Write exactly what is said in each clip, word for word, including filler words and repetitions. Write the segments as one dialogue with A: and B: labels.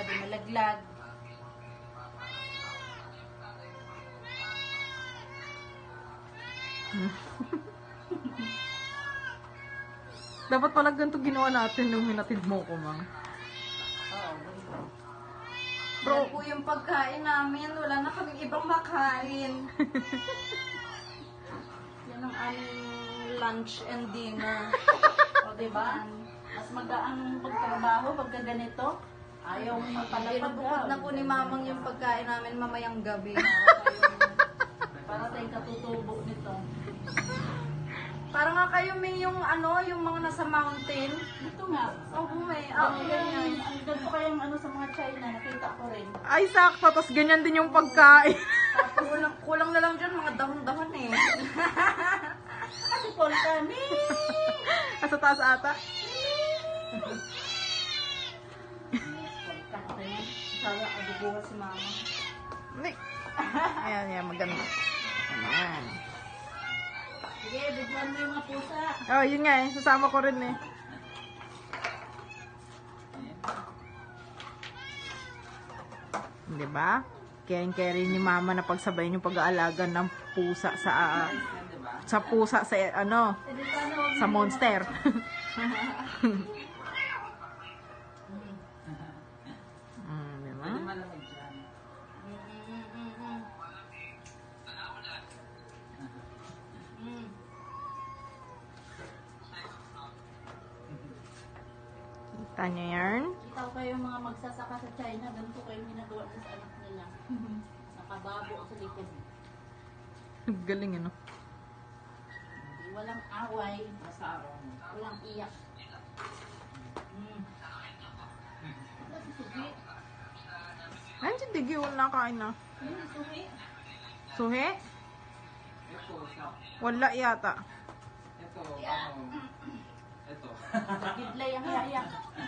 A: di malaglag.
B: Dapat pala ganito ginawa natin nung hinatid mo ko, Mang.
A: Oo.
B: Bro.
A: Yan po yung pagkain namin. Wala na kaming ibang makain. Yan ang aming lunch and dinner. O, diba? Mas magaan pagtrabaho pagka ganito. Ayaw mo magpalapag. Binubukod na po ni Mamang yung pagkain namin mamayang gabi. Para tayong katutubo nito. Para nga kayo may yung ano, yung mga nasa mountain. Ito nga. Oo, may. Ako ganyan. Ang ganito kayong ano sa mga China, nakita ko rin.
B: Ay, sakto. Tapos ganyan din yung pagkain.
A: Tapos kulang, kulang na lang dyan, mga dahon-dahon eh. Kasi Paul kami.
B: Asa taas ata.
A: Sana abubuha si Mama.
B: Hindi. Ayan, ayan. Maganda. Ayan.
A: Sige, bigyan mo yung mga pusa.
B: Oh, yun nga eh. Sasama ko rin eh. Diba? Caring-caring ni Mama na pagsabayin yung pag-aalaga ng pusa sa uh, sa pusa sa ano sa monster. Mm, diba? Kita nyo yan?
A: Kita ko kayo mga magsasaka sa China, ganito kayo ginagawa na sa anak nila. Nakababo sa likod.
B: Galing ano.
A: Walang away, walang iyak. Mm. Wala si Sugi.
B: Ayun si Digi, wala kain na.
A: Yun si Sugi.
B: Suhe? Wala yata.
C: Ito, ano, ito.
A: Gidlay ang iyak.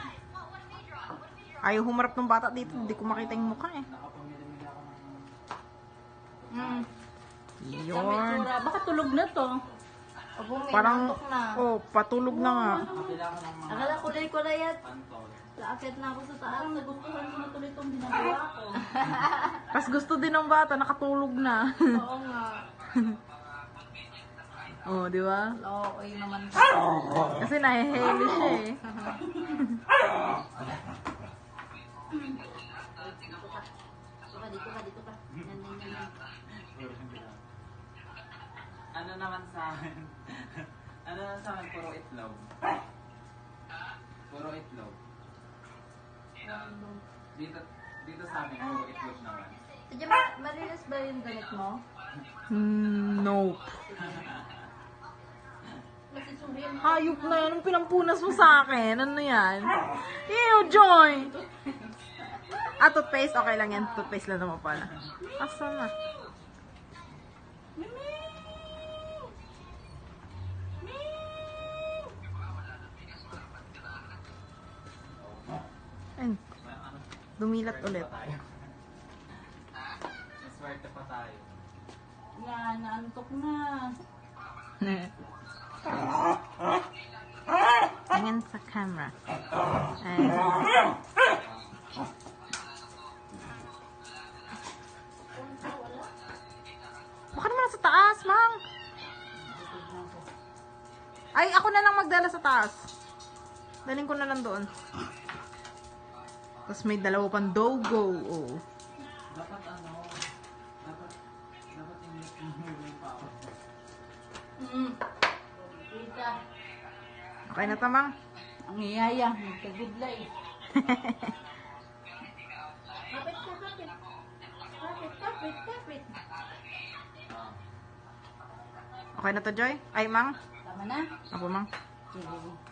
B: Ayaw humarap ng bata dito, hindi ko makita yung mukha eh.
C: Nakapamili-mili ako ng...
A: Mm.
B: Yun.
A: Baka tulog na to. Abo, may
B: Parang,
A: natok na.
B: oh, patulog na nga.
C: Nakapila ako ng mga
A: Akala kulay-kulay at
C: pantol.
A: laakit na ako sa taas. Nagustuhan ko na tuloy itong ginagawa ko.
B: Tapos gusto din ng bata, nakatulog na.
A: Oo nga.
B: Oh, di ba?
A: Oo, ay naman.
B: Kasi nahihili siya eh.
A: Dito ka, dito ka, dito ka. Yan, yan, yan, yan.
C: Ano naman sa akin? Ano naman sa akin? Puro itlog. Puro itlog. Dito, dito sa amin, puro itlog naman.
A: Diyan ba, marilis ba yung damit mo?
B: Hmm, nope.
A: Kasi suriyan mo.
B: Hayop na yan. Anong pinampunas mo sa akin? Ano yan? Ew, Joy! Ah, toothpaste? Okay lang yan. Toothpaste lang naman pala. Asa na? Ayun. Dumilat ulit.
C: Swerte pa tayo.
A: Yan, naantok na.
B: Tingin sa camera. Ayun. Baka naman sa taas, Mang. Ay, ako na lang magdala sa taas. Daling ko na lang doon. Tapos may dalawa pang dogo. Oh.
C: Dapat ano, dapat, dapat yung pa ako.
A: Mm. Kita.
B: Okay na tamang.
A: Ang iyaya, magkagudlay. Kapit ka, kapit. Kapit, kapit, kapit.
B: Okay na to, Joy? Ay, Mang?
A: Tama na?
B: Ako, Mang.
A: Sige.